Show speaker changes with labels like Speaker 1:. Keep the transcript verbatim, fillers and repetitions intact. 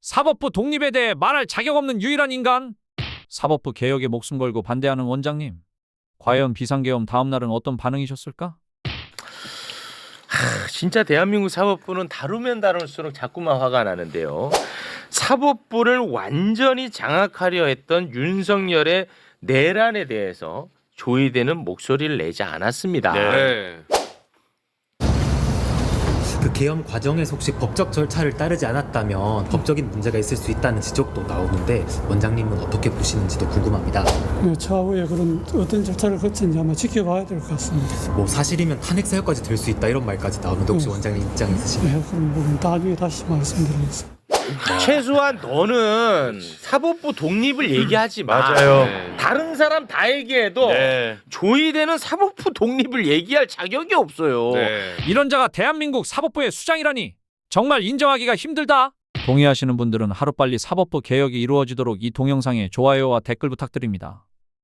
Speaker 1: 사법부 독립에 대해 말할 자격 없는 유일한 인간. 사법부 개혁에 목숨 걸고 반대하는 원장님. 과연 비상계엄 다음 날은 어떤 반응이셨을까?
Speaker 2: 하, 진짜 대한민국 사법부는 다루면 다룰수록 자꾸만 화가 나는데요. 사법부를 완전히 장악하려 했던 윤석열의 내란에 대해서 조의되는 목소리를 내지 않았습니다.
Speaker 3: 네.
Speaker 4: 그 개헌 과정에서 혹시 법적 절차를 따르지 않았다면 법적인 문제가 있을 수 있다는 지적도 나오는데 원장님은 어떻게 보시는지도 궁금합니다.
Speaker 5: 네, 차후에 그런 어떤 절차를 거치는지 아마 지켜봐야 될 것 같습니다.
Speaker 4: 뭐 사실이면 탄핵 사유까지 될 수 있다 이런 말까지 나오는데 혹시
Speaker 5: 네.
Speaker 4: 원장님 입장 있으신가요?
Speaker 5: 네, 그런 부분 나중에 다시 말씀드리겠습니다.
Speaker 2: 최소한 너는 사법부 독립을 얘기하지 마.
Speaker 3: 맞아요.
Speaker 2: 네. 다른 사람 다 얘기해도
Speaker 3: 네.
Speaker 2: 조의되는 사법부 독립을 얘기할 자격이 없어요.
Speaker 3: 네.
Speaker 1: 이런 자가 대한민국 사법부의 수장이라니 정말 인정하기가 힘들다. 동의하시는 분들은 하루빨리 사법부 개혁이 이루어지도록 이 동영상에 좋아요와 댓글 부탁드립니다.